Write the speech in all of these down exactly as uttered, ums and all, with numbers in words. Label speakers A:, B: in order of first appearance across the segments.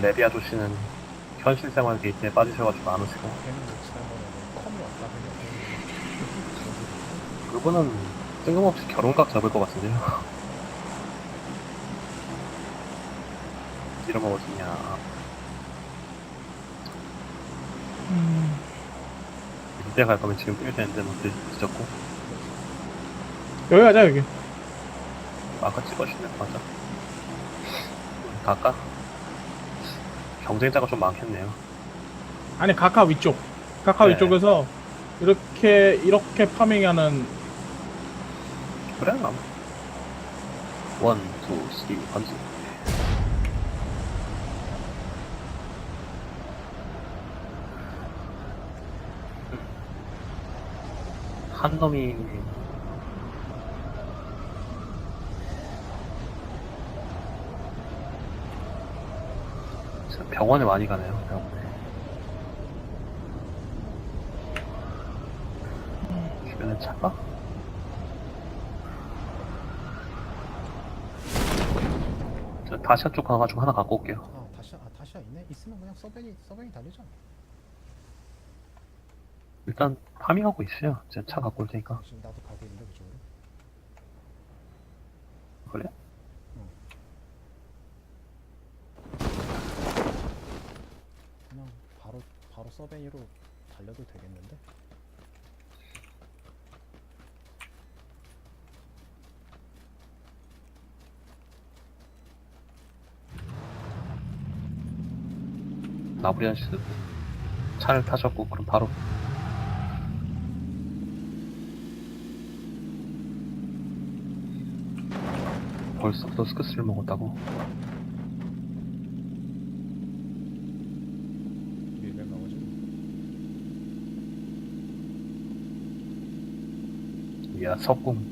A: 레비아 조씨는 현실 생활 데이트에 빠지셔가지고 안 오시고.
B: 걔는 뭐 지난번에는 컴이 없다 그냥
A: 그분은 뜬금없이 결혼각 잡을 것 같은데요. 이러면 어디냐.
C: 음,
A: 이때 갈 거면 지금 뛰어야 되는데 뭐 늦었고.
C: 여기 가자 여기.
A: 아까 찍어주네. 맞아. 갈까? 경쟁자가 좀 많겠네요.
C: 아니 카카 위쪽. 카카
A: 네.
C: 위쪽에서 이렇게 이렇게 파밍하는.
A: 그래? 남. 원, 투, 쓰리, 번지. 한 놈이 진짜 병원에 많이 가네요. 병원에. 주변에 차가? 저 다시아 쪽 가가지고 하나 갖고 올게요.
B: 아 다시아 아 다시아 있네? 있으면 그냥 서벤이 서벤이 달리자.
A: 일단 파밍하고 있어요. 제가 차 갖고 올 테니까.
B: 지금 나도 가고 있는데 그쪽으로.
A: 그래?
B: 그냥 바로 바로 서벤이로 달려도 되겠는데?
A: 나브리안 씨도 차를 타셨고 그럼 바로 벌써부터 스크스를 먹었다고.
B: 밀백 나오지?
A: 이야 석궁.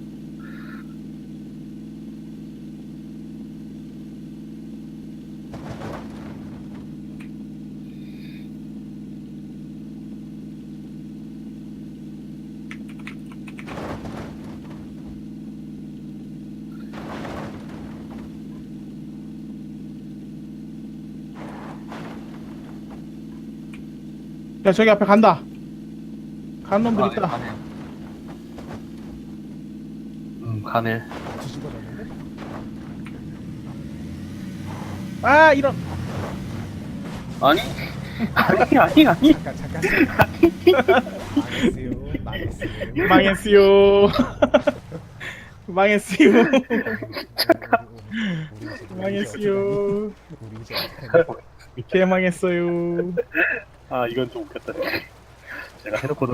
C: 야 저기 앞에 간다. 가는 놈들
A: 아,
C: 있다.
A: 가네. 음 가네.
B: 뒤집어졌는데?
C: 아 이런.
A: 아니 아니 아니 아니.
B: 잠깐 잠깐 망했어요 망했어요
C: 망했어요. 망했어요. 망했어요.
B: 우리 이제
C: 개 망했어요.
A: 아 이건 좀 웃겼다. 제가 해놓고도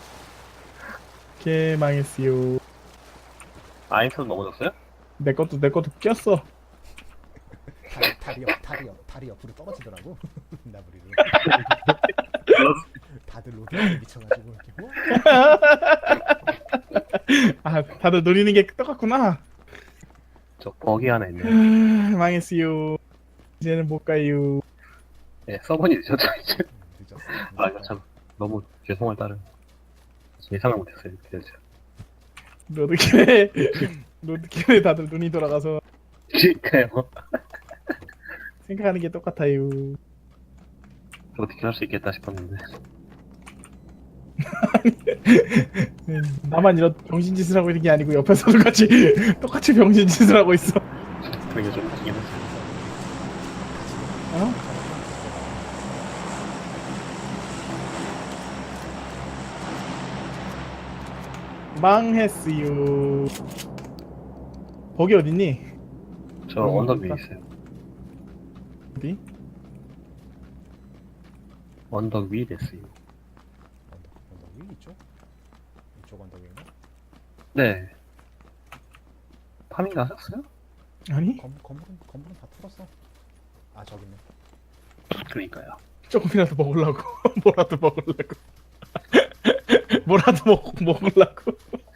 C: 개 망했어요.
A: 아인턴 넘어졌어요?
C: 내 것도 내 것도 꼈어.
B: 다리 다리 옆 다리 옆 다리 옆으로 떨어지더라고 나무리로. 다들 로드에 미쳐가지고 이렇게 뭐?
C: 아 다들 노리는 게 똑같구나.
A: 저 버기 하나 있네요.
C: 아, 망했어요. 이제는 못 가요.
A: 예, 서버니 늦었죠 이제.
B: 늦었어.
A: 아 이거 참 너무 죄송할 따름. 예상을 못했어요. 이렇게 될지.
C: 로드킬에 로드킬에 다들 눈이 돌아가서
A: 그러니까요.
C: 생각하는 게 똑같아요.
A: 어떻게 할 수 있겠다 싶었는데.
C: 나만 이런 병신짓을 하고 있는 게 아니고 옆에서도 같이 똑같이 병신짓을 하고 있어.
A: 그게 좀 웃기긴 했어요.
C: 어? 망했어요. 거기 어딨니?
A: 저
C: 어,
A: 언덕 위에
C: 그러니까.
A: 있어요.
C: 어디?
A: 언덕 위에 됐어요.
B: 언덕 언덕 위 이쪽? 이쪽 언덕인가?
A: 네. 파밍 나셨어요?
C: 아니?
B: 건 건물은 건물은 다 털었어. 아 저기 있네.
A: 그러니까요.
C: 조금이라도 먹으려고. 뭐라도 먹으려고. 뭐라도 먹, 먹으려고.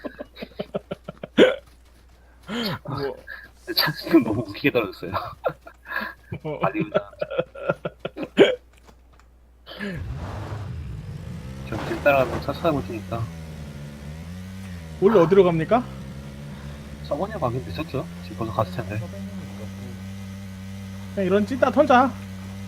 C: 뭐,
A: 차지금 너무 웃기게 떨어졌어요.
C: 뭐.
A: 빨리 오자. 저길 따라가면 차 찾아볼 테니까.
C: 원래 어디로 갑니까?
A: 서버니 가긴 늦었죠? 지금 벌써 갔을 텐데.
B: 서벤은 이거고
C: 그냥 이런 찐따 털자.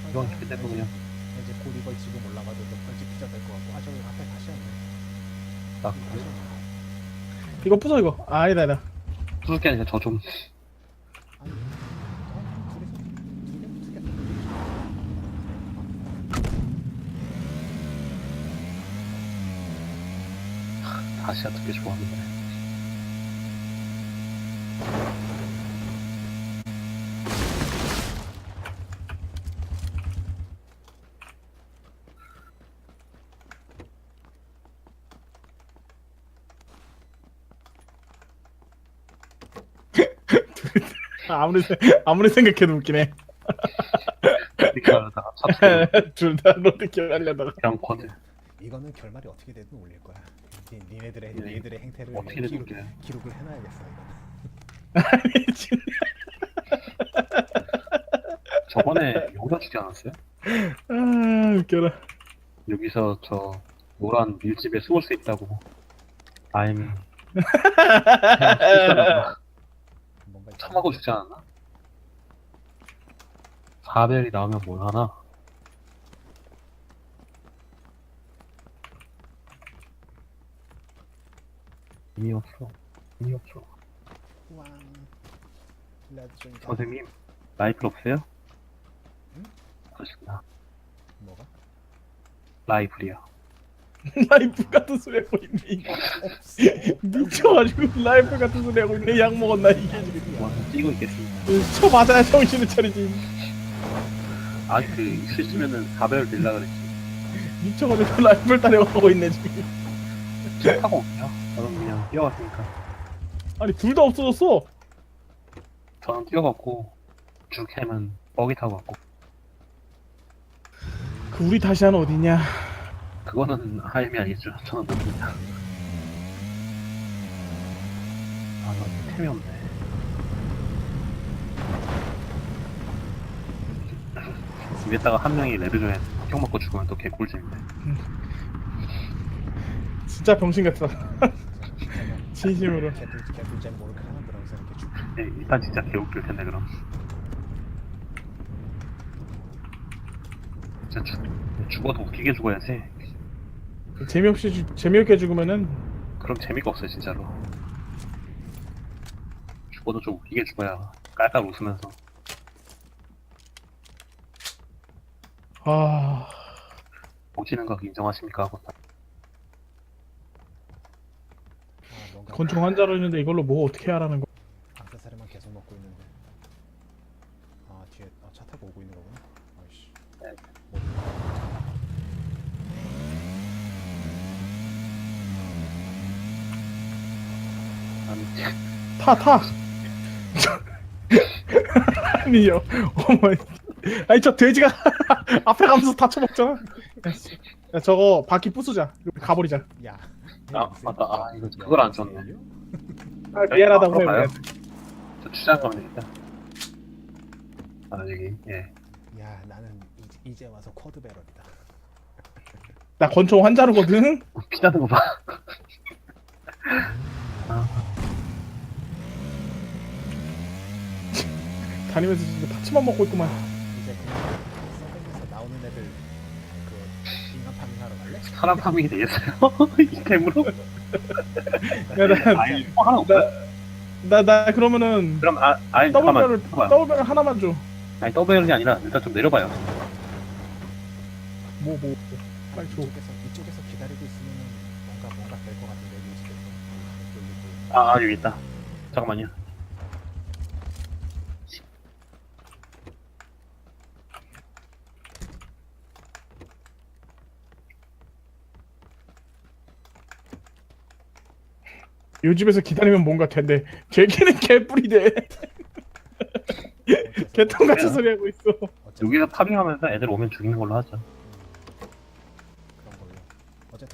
A: 이건 그대로 그냥
B: 이제 곧 이걸 지금 올라가도 또 벌집 피자 될 것 같고. 아 저기 앞에 다시 왔네.
A: 딱
B: 다시 왔네.
C: 이거 부숴 이거. 아, 아니다 아니다.
A: 부술 게 아니라 저 좀
B: 아니, 아, 둘이서 두개 두개
A: 다시야 되게 좋아하는데.
C: 아, 아무리 생- 아무리 생각해도 웃기네.
A: 이렇게 하다가 사투리
C: 둘 다 로드킬 하려다가.
A: 그냥 쿼드
B: 이거는 결말이 어떻게 되든 올릴 거야. 니, 니네들의
A: 네.
B: 니네들의 행태를
A: 어떻게
B: 기록,
A: 될게
B: 기록을 해놔야겠어. 이거는.
C: 아니 진짜.
A: 저번에 여기다 주지 않았어요?
C: 아 웃겨라.
A: 여기서 저 노란 밀집에 숨을 수 있다고. I'm
B: 뭔가
A: 참하고 주지 않았나? 사벨이 나오면 뭘 하나? 의미 없어. 의미 없어.
B: 왕. 레전드.
A: 선생님, 라이플 없어요?
B: 응?
A: 그렇습니다.
B: 뭐가?
A: 라이플이요.
C: 라이프 같은 소리 하고 있네. 이거.
B: 없어.
C: 미쳐가지고 라이프 같은 소리 하고 있네. 약 먹었나 이게 지금.
A: 뭐 한번 뛰고 있겠습니다.
C: 쳐 맞아야 정신을 차리지.
A: 아, 그, 있으시면은 사벨 들라 그랬지.
C: 미쳐가지고 라이프를 따려가고 있네 지금.
A: 차 타고 올게요. 저는 그냥 뛰어갔으니까.
C: 아니 둘 다 없어졌어.
A: 저는 뛰어갔고, 주캠은 버기 타고 갔고.
C: 그 우리 다시아는 어디냐?
A: 그거는 하임이 아니죠. 저는 모릅니다. 아, 나 템이 없네. 입에다가 한 명이 레드 중에 형 맞고 죽으면 또 개꿀잼인데.
C: 진짜 병신 같다. 진심으로.
B: 개불 개불잼 모르게 하나 그러면서 이렇게 죽.
A: 네, 일단 진짜 개웃길 텐데, 그럼. 진짜 죽, 죽어도 웃기게 죽어야지.
C: 재미없이 죽- 재미없게 죽으면은
A: 그럼 재미가 없어요, 진짜로. 죽어도 좀 웃기게 죽어야 깔깔 웃으면서.
C: 아
A: 오지는 거 인정하십니까? 하고 딱.
B: 아 뭔가
C: 권총 환자로 있는데 이걸로 뭐 어떻게 하라는 거?
B: 악세사리만 계속 먹고 있는데. 아 뒤에 아, 차 타고 오고 있는 거구나. 아이씨.
A: 네.
B: 뭐,
A: 아니,
C: 타 타. 아니요. 어머. 아니 저 돼지가 앞에 가면서 다 쳐먹잖아. 야, 씨. 야 저거 바퀴 부수자. 가버리자.
B: 야.
A: 아, 맞다. 아, 이거 그걸 안 줬네.
C: 아, 미안하다고
A: 여기
C: 해.
A: 가요?
C: 미안.
A: 저 추장 가면 되겠다. 아, 여기, 예.
B: 야 나는 이, 이제 와서 쿼드 배럴이다.
C: 나 권총 환자로거든.
A: 피 나는 거 봐. 아,
C: 다니면서 진짜 파츠만 먹고 있구만.
B: 이제 그냥 서백에서 나오는 애들 그 인간 파밍하러 갈래?
A: 사람 파밍이 되겠어요? 이 템으로?
C: 야, 나,
A: 아니, 뭐 하나 없어요?
C: 나, 나 그러면은
A: 그럼, 아, 아니,
C: 더블
A: 잠깐만.
C: 배럴
A: 잠깐만.
C: 더블 배럴 하나만 줘.
A: 아니, 더블이 아니라, 일단 좀 내려봐요.
C: 뭐 뭐. 빨리 줘.
B: 이쪽에서 이쪽에서 기다리고 있으면은 뭔가 뭔가 될 것 같은데 이 집에서 이쪽 이쪽.
A: 아, 아, 여기 있다. 잠깐만요.
C: 요 집에서 기다리면 뭔가 된대. 걔걔는 개뿔이대. 개똥 같은 소리 하고 있어.
B: 어쨌든
A: 여기서 파밍하면서 애들 오면 죽이는 걸로 하죠.
B: 그런 걸로. 어쨌든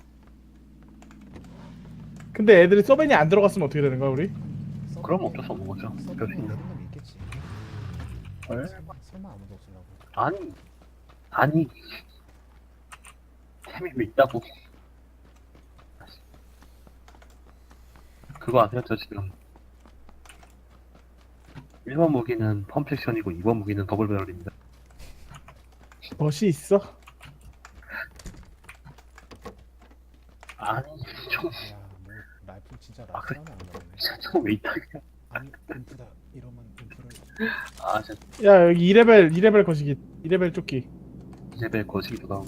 C: 근데 애들이 서벤이 안 들어갔으면 어떻게 되는 거야 우리?
B: 서버에-
A: 그럼 어쩔 수 없는 거죠.
B: 서버에
A: 별수 있는.
B: 있는 놈 있겠지.
A: 헐?
B: 설마, 설마 아무도 없으려고.
A: 아니, 아니. 템이 왜 있다고. 그거 아세요? 저 지금 일 번 무기는 펌팩션이고 이 번 무기는 더블 배럴입니다.
C: 멋이 있어?
A: 아니 좀
B: 야뭐 라이플 진짜
A: 아, 그래?
B: 라이플하면 안 나오네.
A: 저왜 있다 그냥.
B: 아니 인프다 이러면 인프를
A: 아 진짜
C: 야 여기 이 레벨 이 레벨 거시기 이 레벨 조끼.
A: 레벨 거시기도 하고.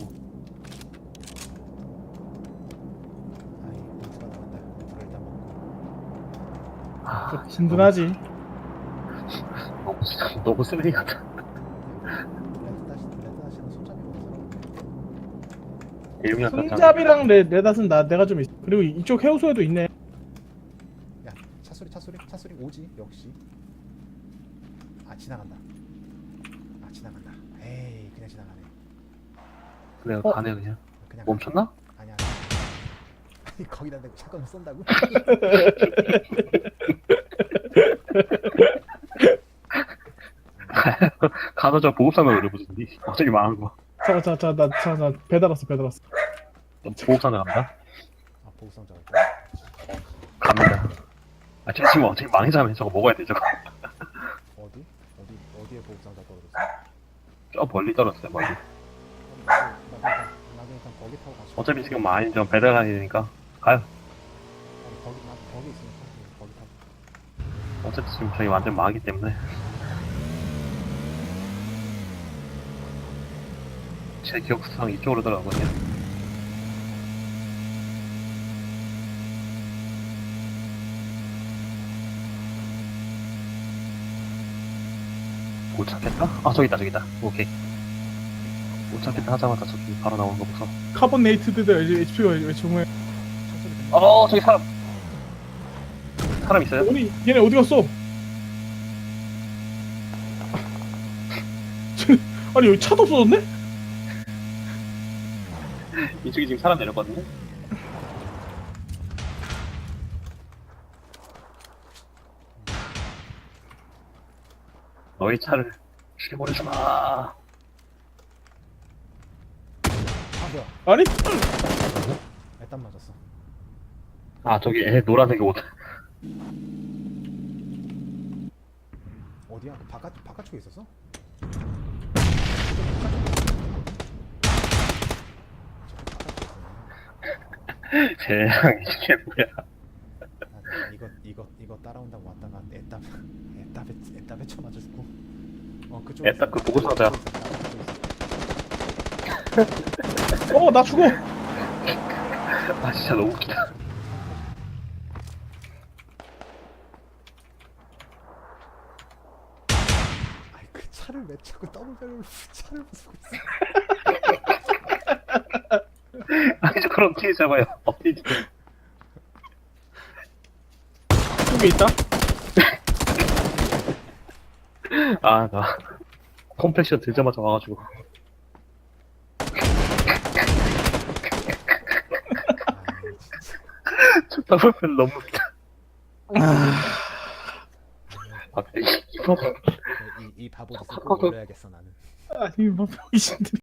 B: 아니 인프가 나간다. 인프를 일단 먹고.
A: 아
C: 좀 든든하지.
A: 너무 너무 쓰레기 같아.
B: 레드 다시 레드 다시는 손잡이가 없어.
A: 대용량 같지 않아?
C: 손잡이랑 레, 레닷은 나 내가 좀 있어. 그리고 이쪽 해우소에도 있네.
B: 야 차소리 차소리 차소리 오지 역시. 아 지나간다. 아 지나간다. 에이 그냥 지나가네.
A: 그래
C: 어?
A: 가네 그냥.
B: 그냥
A: 멈췄나?
B: 아니야. 아니 거기다 대고 샷건을 쏜다고?
A: 가서 저 보급상자 노려보던디. 갑자기 망한 거.
C: 잠깐 잠깐 잠깐 나잠깐 배달 왔어 배달 왔어.
A: 너 보급상자 간다?
B: 아 보급상자 갈까?
A: 갑니다. 아 저 지금 어차피 망해자면 저거 먹어야 돼 저거.
B: 어디? 어디 어디에 보급상자 떨어졌어?
A: 저 멀리 떨어졌어요 멀리.
B: 나도 나도 일단 나도 일단 거기 타고 가서.
A: 어차피 지금 많이 좀 배달 가야 되니까 가요.
B: 아니 거기 나 거기 있으니까 거기 타고.
A: 어차피 지금 저희 완전 망하기 때문에. 제 기억상 이쪽으로 들어가거든요. 못 찾겠다? 아 저기 있다 저기 있다. 오케이. 못 찾겠다 하자마자 저기 바로 나오는 거 보소.
C: 카본네이트드 에이치피가 왜 정말.
B: 차소리 듣는
A: 어 저기 사람. 사람 있어요?
C: 아니 얘네 어디 갔어? 아니 여기 차도 없어졌네?
A: 이쪽에 지금 사람 내렸거든요. 너희 차를 죽여버리지 마.
B: 아 뭐야?
C: 아니?
B: 애딴 맞았어.
A: 아 저기 애 노란색 옷.
B: 어디야? 바깥 바깥쪽에 있었어?
A: 세상에 이게 뭐야.
B: 아, 내가 이거 이거 이거 따라온다고 왔다가 애따 애따배 애따배 쳐 맞아 죽고. 어 그쪽.
A: 애따 그 보고서다.
C: 어 나 죽어.
A: 아 진짜 너무 웃기다.
B: 아이 그 차를 왜 자꾸 더블벨로 차를 부수고 있어?
A: 아니 저 그럼 어떻게 잡아요? 어떻게
C: 여기 있다.
A: 아나 컴팩션 들자마자 와가지고
B: 아이 진짜.
A: 저 더블 너무 웃기다. 아, 이거
B: 이, 이 바보 짓을 꼭 올려야겠어 나는.
C: 아니 뭐 병신들.